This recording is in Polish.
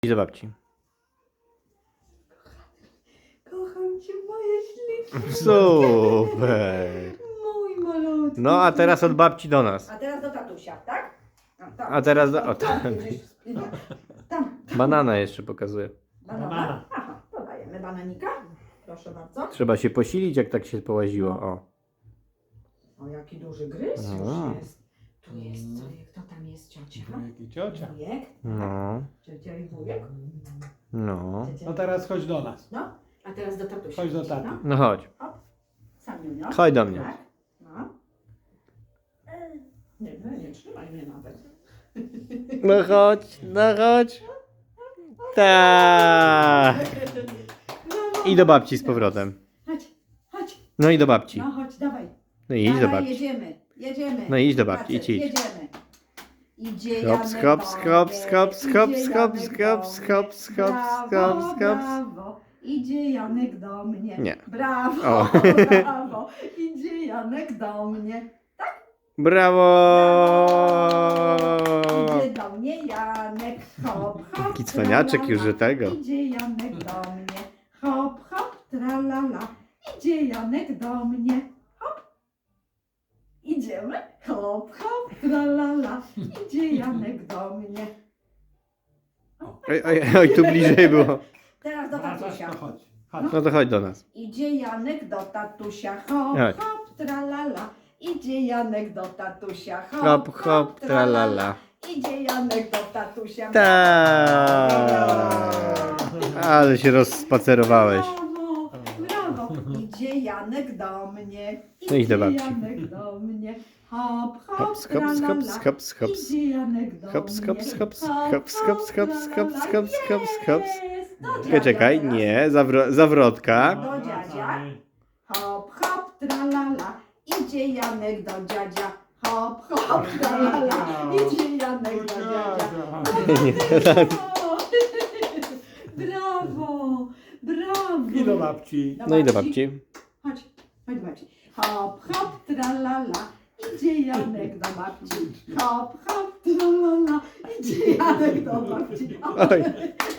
I do babci. Kocham cię, moje śliczne. Super. Mój malutki. No a teraz od babci do nas. A teraz do tatusia, tak? Tam. A teraz do... O, Tam, tam. będziesz spinał. Tam. Banana jeszcze pokazuję. Banana? Aha, dodajemy bananika. Proszę bardzo. Trzeba się posilić, jak tak się połaziło. O. O, jaki duży gryz A. już jest. Tu jest, kto tam jest, ciocia? Wujek i ciocia. Wujek? No. Ciocia i wujek? No. Ciocia No i- teraz chodź do nas. No, a teraz do tatusia. Chodź do taty. No, No chodź. Samiunio. Chodź do mnie. Tak? No. Nie trzymaj mnie nawet. No chodź, no chodź. Tak. No, I do babci z powrotem. Chodź. No i do babci. No chodź, dawaj. No i idź do Dawaj, babci. jedziemy. No i idź do babci, Spacer, idź. Jedziemy. Idzie Hops, Janek hops, do hops, mnie, hops, idzie hops, Janek hops, do hops, mnie. hops, hops, Brawo, hops, hops. brawo. Idzie Janek do mnie. Nie. Brawo, O. brawo. Idzie Janek do mnie. Brawo! Idzie do mnie Janek. Hop, hop. Taki cwaniaczek już, że tego. Idzie Janek do mnie. Hop, hop, tralala. Idzie Janek do mnie. Hop. Idziemy. Hop, hop, tralala. Idzie Janek do mnie. Oj, tu bliżej było. Teraz do Wracasz, tatusia. to chodź. Chodź. No to chodź do nas. Idzie Janek do tatusia. Hop, Chodź. hop, tralala. Idzie Janek do tatusia. Hop, hop, tralala. Idzie Janek do tatusia. Tak. Ale się rozspacerowałeś. Brawo. Idzie Janek do mnie. No idź do babci. Janek do mnie. Hop, hop, Hops, hops, tralala. hops, hops, hops. Idzie Janek do Hops, mnie. hops, hops, Hop, hops, hops, hops, tralala. hops, hops, hops, hops. Jest. Do Czekaj, dziadzia czekaj, teraz. nie, zawrotka. Do dziadzia. Hop, hop, tralala. Idzie Janek do dziadzia. Hop, hop, tralala. Idzie Janek do dziadzia. Brawo, brawo. I do babci. No i do babci. Chodź do babci. Hop, hop, tralala. Idzie Janek do babci. Hop, hop, tralala. Idzie Janek do babci. Oj.